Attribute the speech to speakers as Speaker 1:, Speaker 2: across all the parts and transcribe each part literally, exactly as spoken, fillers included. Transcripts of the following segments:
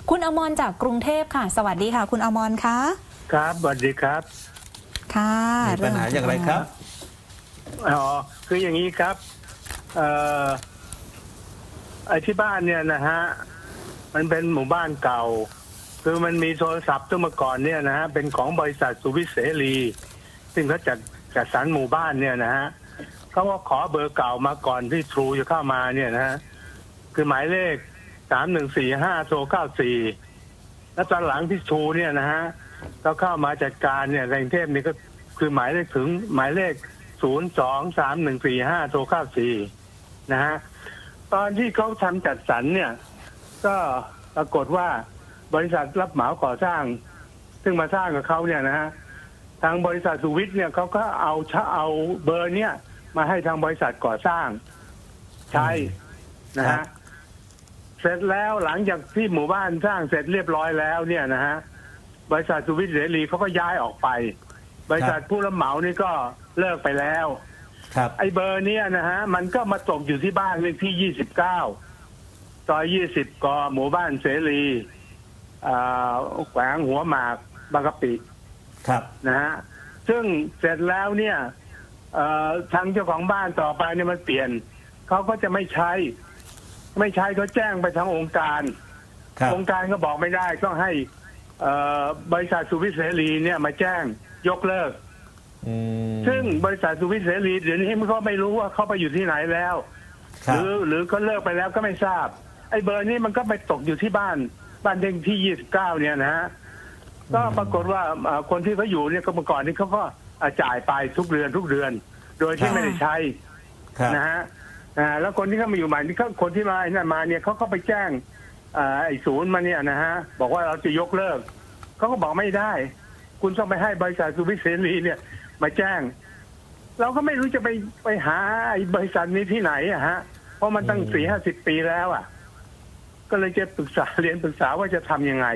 Speaker 1: คุณอมรจากกรุงเทพค่ะสวัสดีค่ะคุณอมรคะ
Speaker 2: ครับสวัสดีครับ
Speaker 1: ค่ะ
Speaker 3: มีปัญหาอย่างไรครับ
Speaker 2: อ๋อคืออย่างนี้ครับเอ่อไอ้ที่บ้านเนี่ยนะฮะมันเป็นหมู่บ้านเก่าคือมันมีโทรศัพท์ตั้งมาก่อนเนี่ยนะฮะเป็นของบริษัทสุวิทย์เสรีซึ่งเขาจัดจัดสรรหมู่บ้านเนี่ยนะฮะเขาก็ขอเบอร์เก่ามาก่อนที่ทรูจะเข้ามาเนี่ยนะฮะคือหมายเลขสามหนึ่งสี่ห้าโทรเก้าสี่แล้วตอนหลังที่ทรูเนี่ยนะฮะเขาเข้ามาจัดการเนี่ยในกรุงเทพนี่ก็คือหมายเลขถึงหมายเลขศูนย์สองสามหนึ่งสี่ห้าโทรเก้าสี่นะฮะตอนที่เขาทำจัดสรรเนี่ยก็ปรากฏว่าบริษัทรับเหมาก่อสร้างซึ่งมาสร้างกับเขาเนี่ยนะฮะทางบริษัทสุวิทย์เนี่ยเขาก็เอาเอาเบอร์เนี่ยมาให้ทางบริษัทก่อสร้างใช้นะฮะเสร็จแล้วหลังจากที่หมู่บ้านสร้างเสร็จเรียบร้อยแล้วเนี่ยนะฮะบริษัทสุวิทย์เสรีเขาก็ย้ายออกไปบริษัทผู้รับเหมานี่ก็เลิกไปแล้วไอ้เบอร์เนี้ยนะฮะมันก็มาตกอยู่ที่บ้านเลขที่ยี่สิบเก้าซอยยี่สิบกหมู่บ้านเสรีแขวงหัวหมากบางกะปิ
Speaker 3: ครับ
Speaker 2: นะฮะซึ่งเสร็จแล้วเนี่ยทางเจ้าของบ้านต่อไปเนี่ยมันเปลี่ยนเขาก็จะไม่ใช้ไม่ใช้เขาแจ้งไปทางองค์การองค์การก็บอกไม่ได้ต้องให้บริษัทสุวิทย์เสรีเนี่ยมาแจ้งยกเลิกซึ่งบริษัทสุวิทย์เสรีเดี๋ยวนี้มันก็ไม่รู้ว่าเขาไปอยู่ที่ไหนแล้วหรือหรือเขาเลิกไปแล้วก็ไม่ทราบไอ้เบอร์นี้มันก็ไปตกอยู่ที่บ้านบ้านเลขที่ยี่สิบเก้าเนี่ยนะฮะก็ปรากฏว่าคนที่เขาอยู่เนี่ยก็เมื่อก่อนนี้เขาก็จ่ายไปทุกเดือนทุกเดือนโดยที่ไม่ได้ใช้นะฮะแล้วคนที่เขามาอยู่ใหม่นี่เขาคนที่มาเนี่ยมาเนี่ยเขาก็ไปแจ้งไอ้ศูนย์มาเนี่ยนะฮะบอกว่าเราจะยกเลิกเขาก็บอกไม่ได้คุณต้องไปให้บริษัทสุวิทย์เสรีเนี่ยมาแจ้งเราก็ไม่รู้จะไปไปหาไอ้บริษัทนี้ที่ไหนอะฮะเพราะมันตั้งสี่ห้าสิบปีแล้วอ่ะก็เลยจะปรึกษาเรียนปรึกษาว่าจะทำยังไง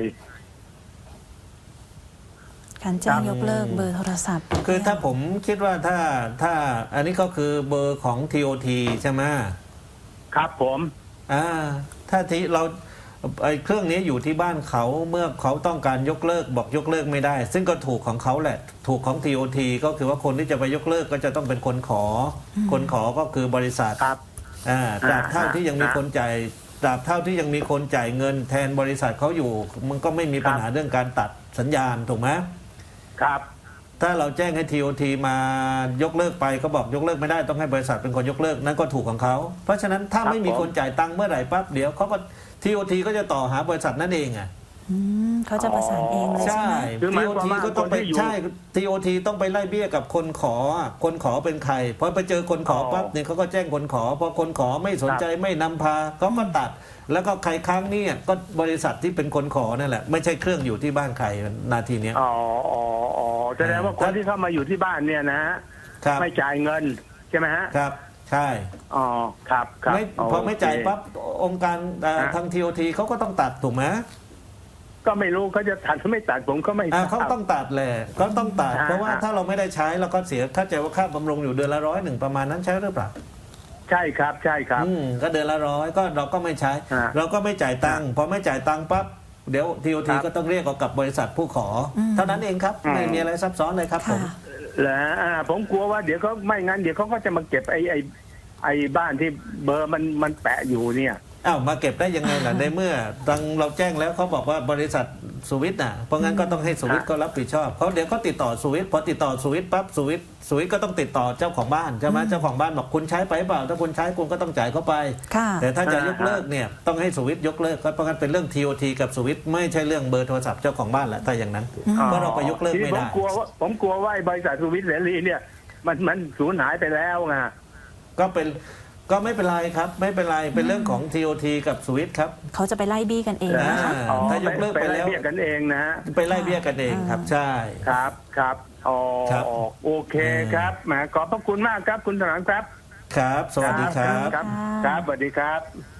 Speaker 1: การแจ้งยกเลิกเบอร์โทรศัพท์
Speaker 3: คือถ้าผมคิดว่าถ้าถ้าอันนี้ก็คือเบอร์ของ ที โอ ที ใช่ไหม
Speaker 2: ครับผม
Speaker 3: อ่าถ้าที่เราไอ้เครื่องนี้อยู่ที่บ้านเขาเมื่อเขาต้องการยกเลิกบอกยกเลิกไม่ได้ซึ่งก็ถูกของเขาแหละถูกของ ที โอ ที ก็คือว่าคนที่จะไปยกเลิกก็จะต้องเป็นคนขอคนขอก็คือบริษัท
Speaker 2: ครับ
Speaker 3: อ่าตราบเท่าที่ยังมีคนจ่ายตราบเท่าที่ยังมีคนจ่ายเงินแทนบริษัทเขาอยู่มันก็ไม่มีปัญหาเรื่องการตัดสัญญาณถูกไหม
Speaker 2: ครับ
Speaker 3: ถ้าเราแจ้งให้ ที โอ ที มายกเลิกไปก็บอกยกเลิกไม่ได้ต้องให้บริษัทเป็นคนยกเลิกนั่นก็ถูกของเขาเพราะฉะนั้นถ้าไม่มีคนจ่ายตังค์เมื่อไหร่ปั๊บเดี๋ยวเขาก็ ที โอ ที ก็จะต่อหาบริษัทนั่นเองอ่ะ
Speaker 1: เขาจะประสานเองเลยใช่ไหม
Speaker 3: ที โอ ที ก็ต้องไปใช่ ที โอ ที ต้องไปไล่เบี้ยกับคนขอคนขอเป็นใครพอไปเจอคนขอปั๊บเนี่ยเขาก็แจ้งคนขอพอคนขอไม่สนใจไม่นำพาเขาก็ตัดแล้วก็ใครค้างนี่ก็บริษัทที่เป็นคนขอนั่นแหละไม่ใช่เครื่องอยู่ที่บ้านใครนาทีนี้
Speaker 2: อ๋ออ๋ออ๋อแสดงว่าคนที่เข้ามาอยู่ที่บ้านเนี่ยนะฮะไม่จ่ายเงินใช่ไหมฮะ
Speaker 3: ครับใช่
Speaker 2: อ๋อครับครับ
Speaker 3: พอไม่จ่ายปั๊บองค์การทาง ที โอ ที เขาก็ต้องตัดถูกไหม
Speaker 2: ก็ไม่รู้เขาจะตัดหรือไม่ตัดผมก็ไม่
Speaker 3: เขาต้องตัดแหละเขาต้องตัดเพราะว่าถ้าเราไม่ได้ใช้เราก็เสียถ้าใจว่าค่าบำรุงอยู่เดือนละร้อยหนึ่งประมาณนั้นใช่หรือเปล่า
Speaker 2: ใช่ครับใช่ครับ
Speaker 3: ก็เดือนละร้อยก็เราก็ไม่ใช้เราก็ไม่จ่ายตังค์พอไม่จ่ายตังค์ปั๊บเดี๋ยว ที โอ ที ก็ต้องเรียกกับบริษัทผู้ขอเท่านั้นเองครับไม่มีอะไรซับซ้อนเลยครับผม
Speaker 2: แล้วผมกลัวว่าเดี๋ยวเขาไม่งั้นเดี๋ยวเขาก็จะมาเก็บไอ้ไอ้ไอ้บ้านที่เบอร์มันมันแปะอยู่เนี่ย
Speaker 3: อ้าวมาเก็บได้ยังไงล่ะในเมื่อทางเราแจ้งแล้วเขาบอกว่าบริษัทสุวิทย์น่ะเพราะงั้นก็ต้องให้สุวิทย์ก็รับผิดชอบเพราะเดี๋ยวเขาติดต่อสุวิทย์พอติดต่อสุวิทย์ปั๊บสุวิทย์สุวิทย์ก็ต้องติดต่อเจ้าของบ้านใช่ไหมเจ้าของบ้านบอกคุณใช้ไปเปล่าถ้าคุณใช้คุณก็ต้องจ่ายเข้าไปแต่ถ้าจะยกเลิกเนี่ยต้องให้สุวิทย์ยกเลิกก็เพราะงั้นเป็นเรื่อง ที โอ ที กับสุวิทย์ไม่ใช่เรื่องเบอร์โทรศัพท์เจ้าของบ้านแหละถ้าอย่างนั้นเพราะเราไปยกเลิกไม่ได้
Speaker 2: ผมกลัวว่าผมกลัวว่าบริษัทสุวิทย์เสรีเนี่ยมันมันสูญหายไปแล้วไง
Speaker 3: ก็เป็นก็ไม่เป็นไรครับไม่เป็นไรเป็นเรื่องของ ที โอ ที กับสวิตครับ
Speaker 1: เขาจะไปไล่บี้กันเองนะคะ
Speaker 3: ถ้ายกเลิกไปแล้ว
Speaker 2: ไปไล่เบี้ยกันเองนะ
Speaker 3: ไปไล่เบี้ยกันเองครับใช่
Speaker 2: ครับครับอ๋อโอเคครับแหมขอบพระคุณมากครับคุณถนอมครับ
Speaker 3: ครับสวัสดีครับ
Speaker 2: ครับครับสวัสดีครับ